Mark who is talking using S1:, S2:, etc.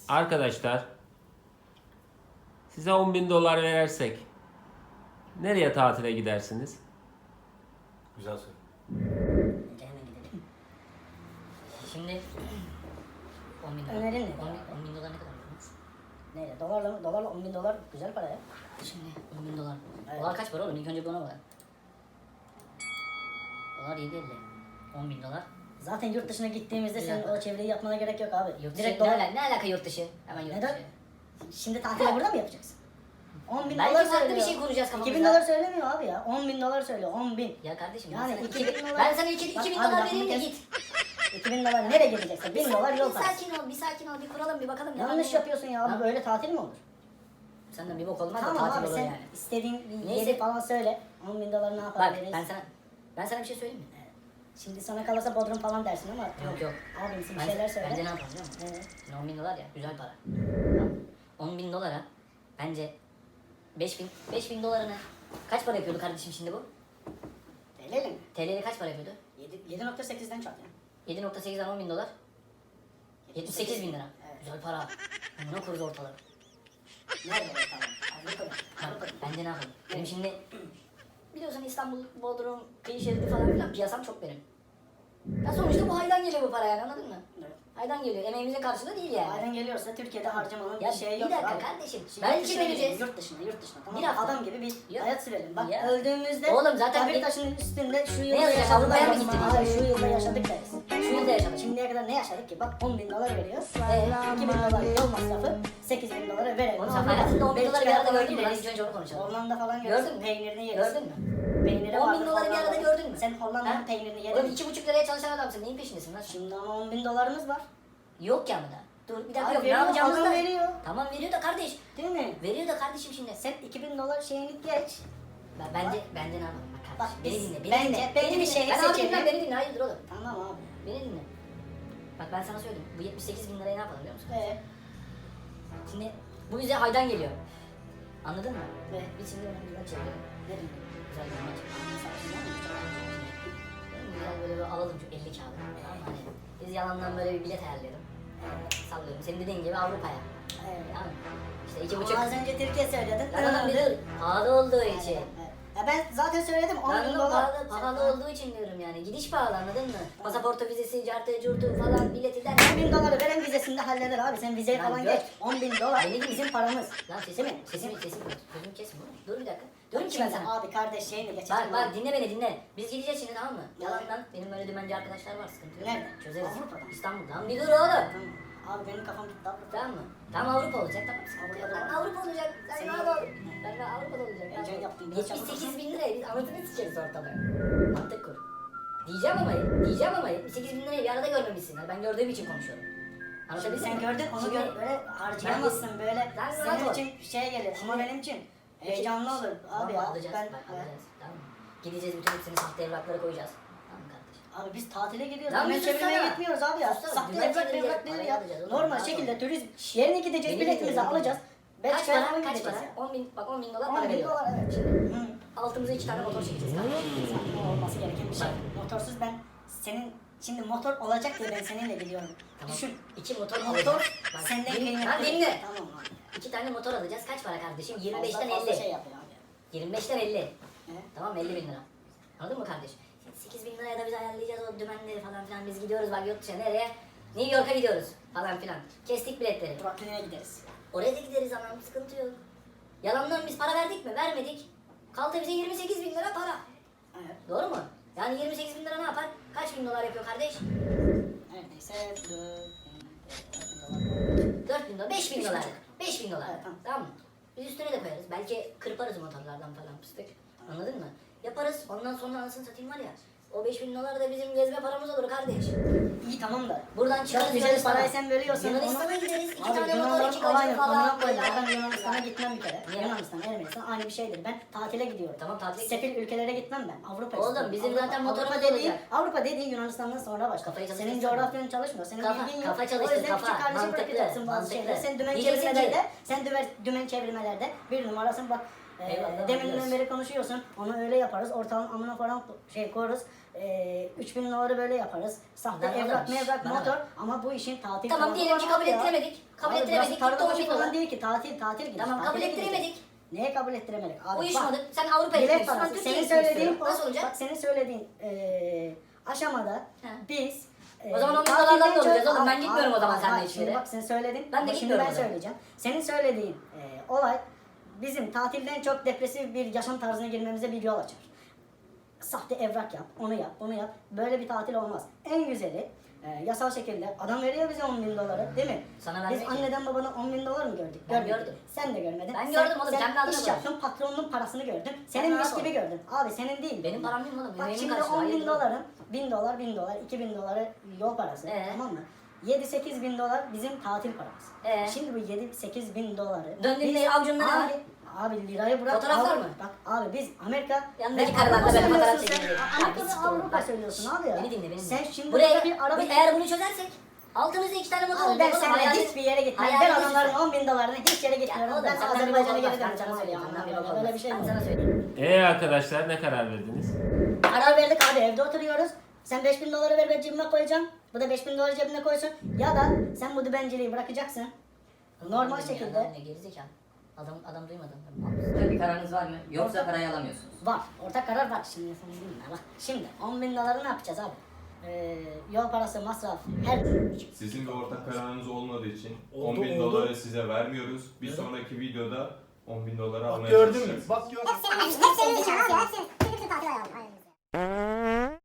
S1: Arkadaşlar size 10.000 dolar verersek nereye tatile gidersiniz?
S2: Güzel soru.
S3: Bence hemen gidelim. Şimdi 10 bin dolar.
S4: Önerin ne?
S3: 10 bin dolar ne kadar biliyorsunuz?
S4: Neyle? Dolarla 10 bin dolar güzel para ya.
S3: Şimdi 10 bin dolar.
S4: Evet.
S3: Dolar kaç para oğlum? İlk önce bir ona bak. Dolar 7.50. 10 bin dolar.
S4: Zaten yurt dışına gittiğimizde senin
S3: Güzel.
S4: o çevreyi yapmana gerek yok abi.
S3: Yurt dışı,
S4: Direkt
S3: ne,
S4: dolar.
S3: ne alaka yurt dışı? Hemen yurt
S4: Neden?
S3: dışı.
S4: Şimdi tatili burada mı yapacaksın? 10 bin
S3: Belki
S4: dolar
S3: farklı
S4: söylüyor.
S3: bir şey kuracağız kafamızda.
S4: 2000 dolar söylemiyor abi ya. 10 bin dolar söylüyor. 10 bin.
S3: Ya kardeşim
S4: Yani
S3: ben
S4: 2000
S3: sana,
S4: dolar.
S3: ben sana 2
S4: Bak
S3: bin
S4: abi,
S3: dolar
S4: lafımı
S3: vereyim de
S4: kes.
S3: git.
S4: 2000 dolar nereye gideceksin? 1000 dolar yol
S3: Bir
S4: parası.
S3: sakin ol, bir kuralım bir bakalım. ne var
S4: Yanlış
S3: ne yok.
S4: yapıyorsun ya abi.
S3: Ha?
S4: Böyle tatil mi olur?
S3: Senden bir bok olmaz da
S4: Tamam
S3: tatil
S4: abi
S3: olur
S4: sen
S3: yani.
S4: istediğin bir
S3: Neyse.
S4: yeri falan söyle. 10 bin dolar ne yapar
S3: Bak
S4: veririz.
S3: ben sana bir şey söyleyeyim mi?
S4: Şimdi sana kalırsa Bodrum falan dersin ama
S3: Yok.
S4: Abimsin bir şeyler söyle.
S3: Bence ne yapalım biliyor musun?
S4: Evet.
S3: Şimdi 10 bin dolar ya güzel para. Tamam. 10 bin dolara bence 5 bin dolarına kaç para yapıyordu kardeşim şimdi bu?
S4: Öyle mi?
S3: TL'de kaç para yapıyordu?
S4: 7.8'den çarp yani.
S3: 7.8'den 10 bin dolar. 78 bin lira.
S4: Evet.
S3: Güzel para. Buna kuruz ortalığı.
S4: Nerede o tamam? Avrupa'da.
S3: Bak, bence ne yapalım? Benim şimdi biliyorsun İstanbul, Bodrum, kıyı şeridi falan filan piyasam çok benim. Ya sonuçta bu haydan geliyor bu para yani anladın mı?
S4: Evet.
S3: Haydan geliyor. Emeğimizin karşılığı değil yani.
S4: Aynen geliyorsa Türkiye'de harcamanın
S3: Ya
S4: bir şeyi
S3: bir
S4: yok.
S3: dakika
S4: abi.
S3: kardeşim.
S4: Şimdi
S3: Belki
S4: yurt dışına
S3: vereceğiz.
S4: gidelim, yurt dışına tamam
S3: Bir
S4: mı?
S3: hafta.
S4: Adam gibi bir
S3: Yok.
S4: hayat sürelim. Bak
S3: Ya.
S4: öldüğümüzde
S3: Oğlum zaten
S4: tabir
S3: bir-
S4: taşının üstünde şu
S3: Ne
S4: yılda
S3: yazacak?
S4: yaşadık.
S3: Avrupa'ya mı gittik?
S4: Hayır şu yılda yaşadık deriz.
S3: Şu yılda yaşadık.
S4: Şimdiye kadar ne yaşadık ki? Bak 10 bin dolar veriyor. 2 bin dolar yol masrafı. 8 bin dolara verelim.
S3: Oğlum sen hayatında 10 bin doları bir arada gördün mü? Lan
S4: Gideriz.
S3: ilk önce onu konuşalım.
S4: Hollanda falan
S3: Gördün
S4: görürsün.
S3: mü?
S4: Peynirini yeriz.
S3: Gördün mü?
S4: Peyniri
S3: 10 bin
S4: vardır
S3: doları bir arada
S4: Hollanda'da.
S3: gördün mü?
S4: Sen Hollanda'nın
S3: Ha?
S4: peynirini
S3: Oğlum
S4: yedin.
S3: 2,5 liraya çalışan adamsın. Neyin peşindesin lan?
S4: Şimdi ama 10 bin dolarımız var.
S3: Yok ya mı da? Dur bir dakika
S4: Abi
S3: yok. Ne
S4: veriyor,
S3: yapacağımızı
S4: adam
S3: da...
S4: veriyor.
S3: Tamam veriyor da kardeş.
S4: Değil mi?
S3: Veriyor da kardeşim şimdi.
S4: Sen 2000 dolar şeyini geç.
S3: Bence ne yapalım? Bak
S4: Bak,
S3: kardeşim. Beni
S4: biz-
S3: dinle. Beni
S4: bence-
S3: dinle.
S4: bence
S3: Beni
S4: bir
S3: dinle.
S4: şey
S3: Ben abi
S4: seçelim.
S3: dinle. Beni dinle. Hayırdır oğlum?
S4: Tamam abi.
S3: Beni dinle. Bak ben sana söyleyeyim. Bu 78 bin liraya ne yapalım biliyor musun? Şimdi bu bize haydan geliyor. Anladın mı?
S4: Ve
S3: Biz şimdi onu güzel çevirelim.
S4: ne diyeyim?
S3: Güzel bir maç. Güzel böyle bir alalım şu 50 kağıdı. Tamam mı? Hani biz yalandan böyle bir bilet ayarlayalım. Sallıyorum. Senin dediğin gibi Avrupa'ya.
S4: Evet.
S3: Tamam mı? İşte 2,5.
S4: Ama az önce Türkiye söyledin.
S3: Lan adam bir dur. Pahalı olduğu için.
S4: Evet. Ya ben zaten söyledim 10
S3: Lan
S4: bin
S3: oğlum
S4: dolar.
S3: pahalı olduğu için diyorum yani. Gidiş pahalı anladın mı? Pasaportu, vizesi, cartı, curtu falan bileti der.
S4: 10 bin doları veren vizesinde halleder abi. Sen vizeyi
S3: Lan
S4: falan
S3: gör.
S4: geç. 10 bin dolar
S3: Beni dinle.
S4: bizim paramız.
S3: Lan
S4: Değil mi?
S3: sesimi gözümü kesme oğlum. Dur bir dakika. Diyorum ki ben
S4: Şimdi
S3: sana.
S4: abi kardeş şeyini geçeceğim.
S3: Bak dinle beni dinle. Biz gideceğiz şimdi tamam mı? Yalandan benim böyle dümenci arkadaşlar var sıkıntı yok.
S4: Nerede?
S3: Çözeriz.
S4: Avrupa'da.
S3: İstanbul'da. Lan bir dur oğlum.
S4: Tamam. Abi benim kafam gitti abi.
S3: Tamam mı? Tamam Avrupa olacak tamam sıkıntı yok.
S4: Avrupa'da
S3: Lan Avrupa olacak. Sen
S4: Senin-
S3: rahat ol. Ben Avrupa'da olacak.
S4: Heyecan
S3: Rahat ol.
S4: yaptım, biraz
S3: 78 bin liraya biz anasını sikeriz ortada. Mantık kur. Diyeceğim ama 78 bin lirayı bir arada görmemişsin. Yani ben gördüğüm için konuşuyorum. Anlatabildim
S4: Sen
S3: mi?
S4: gördün onu
S3: Şimdi-
S4: gör böyle harcayamazsın böyle.
S3: Lan
S4: Senin
S3: rahat ol.
S4: için şey gelir ama
S3: Şimdi-
S4: benim için heyecanlı olur abi
S3: Tamam,
S4: ya.
S3: alacağız.
S4: Ben,
S3: Bak alacağız. Tamam mı? Gideceğiz bütün hepsini sahte evraklara koyacağız. Tamam mı kardeşim?
S4: Abi biz tatile gidiyoruz.
S3: Lan
S4: Hemen
S3: bir
S4: çevirmeye
S3: sussana.
S4: gitmiyoruz abi ya.
S3: Sussana.
S4: Sahte
S3: Dümen
S4: evrak
S3: çevireceğiz,
S4: evrak değil
S3: parayı
S4: ya.
S3: alacağız oğlum,
S4: Normal
S3: rahat ol.
S4: şekilde turizm yerine gideceğiz.
S3: Beni
S4: Biletimizi
S3: dinle, beni
S4: alacağız.
S3: Kaç
S4: Belçika'ya
S3: para?
S4: falan
S3: Kaç
S4: gideceğiz
S3: para?
S4: ya.
S3: 10 bin, bak 10 bin dolar
S4: 10
S3: para
S4: bin
S3: veriyor.
S4: dolar evet.
S3: Şimdi
S4: Hı.
S3: altımıza 2 tane motor çekeceğiz.
S4: Zaten olması gereken bir şey. Motorsuz ben senin şimdi motor olacak diye ben seninle gidiyorum.
S3: Tamam.
S4: Düşün.
S3: 2 motor
S4: Motor
S3: alacağız. Bak,
S4: senden kıymetli.
S3: Lan dinle.
S4: Tamam abi.
S3: 2 tane motor alacağız. Kaç para kardeşim? 25'ten
S4: Fazla
S3: 50.
S4: şey yapıyor abi.
S3: 25'ten 50.
S4: He?
S3: Tamam 50 bin lira. Anladın mı kardeş? 8 bin liraya da biz ayarlayacağız o dümenleri falan filan. Biz gidiyoruz bak yurt dışına nereye? New York'a gidiyoruz falan filan. Kestik biletleri.
S4: Brooklyn'e gideriz.
S3: Oraya da gideriz anam sıkıntı yok. Yalandan biz para verdik mi? Vermedik. Kaldı bize 28 bin lira para.
S4: Evet.
S3: Doğru mu? Yani 28 bin lira ne yapar? Kaç bin dolar yapıyor kardeş?
S4: Neredeyse
S3: 4 bin dolar, 5 bin dolar. 5 bin dolar.
S4: Evet, tamam.
S3: Tamam mı? Biz üstüne de koyarız. Belki kırparız motorlardan falan fıstık. Anladın mı? Yaparız. Ondan sonra anasını satayım var ya. O 5 bin dolar da bizim gezme paramız olur kardeş.
S4: İyi tamam da.
S3: Buradan çıkarız
S4: Çok güzel
S3: Yunanistan'a.
S4: parayı sen veriyorsan
S3: Yunanistan'a gideriz. 2
S4: Abi
S3: tane motor, 2
S4: Yunanlar
S3: gacı
S4: aynı
S3: falan.
S4: amına koyayım.
S3: Böyle.
S4: Ben Yunanistan'a gitmem bir kere.
S3: Niye?
S4: Yunanistan, Ermenistan aynı bir şeydir. Ben tatile gidiyorum.
S3: Tamam, tatile
S4: Sefil ülkelere gitmem ben. Avrupa
S3: Oğlum,
S4: istiyorum.
S3: bizim
S4: Avrupa.
S3: zaten motorumuz
S4: Avrupa dediğin,
S3: olacak.
S4: Avrupa dediğin Yunanistan'dan sonra başka.
S3: Kafayı
S4: Senin
S3: çalıştırsana.
S4: coğrafyan çalışmıyor. Senin
S3: Kafa-
S4: bilgin yok.
S3: kafa
S4: O
S3: çalıştır,
S4: yüzden
S3: kafa.
S4: küçük kardeşi
S3: Mantıklı,
S4: bırakacaksın bazı
S3: mantıklı.
S4: şeyleri. Sen dümen
S3: Diyeceksin ki-
S4: çevirmelerde, sen dümen çevirmelerde bir numarasın bak.
S3: Eyvallah,
S4: Deminden
S3: biliyoruz.
S4: beri konuşuyorsun. Onu öyle yaparız. Ortalama amına falan koyarız. 3000 doları böyle yaparız. Sahte
S3: Lan
S4: evrak
S3: oğlum,
S4: mevrak
S3: bana
S4: motor ama bu işin tatil
S3: Tamam
S4: tarafı
S3: diyelim
S4: var
S3: ki kabul
S4: abi ya.
S3: ettiremedik. Kabul
S4: Abi
S3: ettiremedik.
S4: burası
S3: Gitti
S4: tarla
S3: 10
S4: başı
S3: bin
S4: falan
S3: dolar.
S4: değil ki tatil gidiyoruz.
S3: Tamam kabul
S4: tatile gideceğiz.
S3: ettiremedik.
S4: Neye kabul ettiremedik? Abi
S3: Uyuşmadık.
S4: bak,
S3: Sen Avrupa'ya
S4: bilet
S3: gitmek istiyorsun. Ben
S4: parası.
S3: Türkiye'ye
S4: Senin
S3: gitmek
S4: söylediğin
S3: istiyorum. Nasıl olacak?
S4: Bak senin söylediğin aşamada
S3: He.
S4: biz
S3: O zaman 10 bin
S4: tatilden
S3: dolardan da
S4: çok-
S3: olacağız oğlum. Ben
S4: Abi,
S3: gitmiyorum o zaman
S4: abi,
S3: seninle
S4: bak,
S3: hiçbir yere.
S4: Şimdi bak sen söyledin.
S3: Ben de
S4: Ama şimdi
S3: gitmiyorum
S4: ben
S3: o zaman.
S4: söyleyeceğim. Senin söylediğin olay bizim tatilden çok depresif bir yaşam tarzına girmemize bir yol açar. Sahte evrak yap, onu yap, bunu yap. Böyle bir tatil olmaz. En güzeli yasal şekilde adam veriyor bize 10 bin doları değil mi?
S3: Sana
S4: Biz
S3: vermiyor ki.
S4: anneden babadan 10 bin dolar mı gördük?
S3: Ben
S4: Görmedik.
S3: gördüm.
S4: Sen de görmedin.
S3: Ben
S4: Sen-
S3: gördüm oğlum,
S4: Sen
S3: kendi adına
S4: iş
S3: gördüm.
S4: yaptın, patronun parasını gördün.
S3: Sen
S4: Senin
S3: rahat
S4: mis gibi
S3: ol.
S4: gördün. Abi senin değil.
S3: Benim param değil mi oğlum?
S4: Bak
S3: Emeğimin
S4: şimdi
S3: karşılığı,
S4: 10 bin
S3: hayırdır?
S4: doların 1000 dolar, 1000 dolar, 2000 doları yol parası. Tamam mı? 7-8 bin dolar bizim tatil paramız. Şimdi bu 7-8 bin doları...
S3: Döndüğünde
S4: biz-
S3: avucunda ne var?
S4: Abi lirayı bırak.
S3: Fotoğraflar
S4: abi,
S3: mı?
S4: Bak abi biz Amerika...
S3: Yanındaki
S4: Ben
S3: karılarla
S4: Avrupa
S3: böyle fotoğraf
S4: söylüyorsun sen.
S3: çekilecek. Ya
S4: Amerika
S3: bir
S4: ve
S3: siktir oğlum,
S4: Avrupa
S3: bak.
S4: söylüyorsun abi ya.
S3: Beni dinle beni.
S4: Sen şimdi
S3: Buraya,
S4: bir araba...
S3: eğer bunu çözersek altımızda 2 tane motor
S4: Abi
S3: olacak
S4: ben
S3: oğlum.
S4: seninle
S3: hayalin-
S4: hiçbir yere gitmem. Ben
S3: hayalin
S4: adamların
S3: güzel.
S4: 10 bin dolarına hiç yere gitmiyorum.
S3: oğlum,
S4: Ben
S3: senden bir
S4: Azerbaycan'a
S3: bok
S4: geri
S3: olmaz. Ben
S4: döneceğim
S3: sana
S4: abi ya.
S3: söyleyeyim, senden bir bok
S4: Böyle
S3: olmaz.
S4: bir şey
S3: Ben
S4: mi?
S3: sana söyleyeyim.
S1: Arkadaşlar ne karar verdiniz?
S4: Karar verdik abi evde oturuyoruz. Sen 5000 doları ver ben cebime koyacağım. Bu da 5000 doları cebine koysun. Ya da sen bu dübenciliği bırakacaksın. Normal
S3: Dedim
S4: şekilde
S3: ya, ne gerizekalı. Adam duymadı.
S5: Böyle bir kararınız var mı? Yoksa parayı alamıyorsunuz.
S4: var. Ortak karar var. Şimdi sen dinle bak. Şimdi 10 bin doları ne yapacağız abi? Yol parası, masraf, her
S6: Sizin de ortak kararınız olmadığı için
S2: Oldu,
S6: 10 bin
S2: oldu.
S6: doları size vermiyoruz. Bir
S2: Evet.
S6: sonraki videoda 10 bin doları
S2: Bak
S6: almaya
S2: gördün mü?
S6: çalışacaksınız.
S2: Bak gördün mü?
S7: Hep senin abi ya. Hep senin. Bütün tatil ayarlı. Aynen.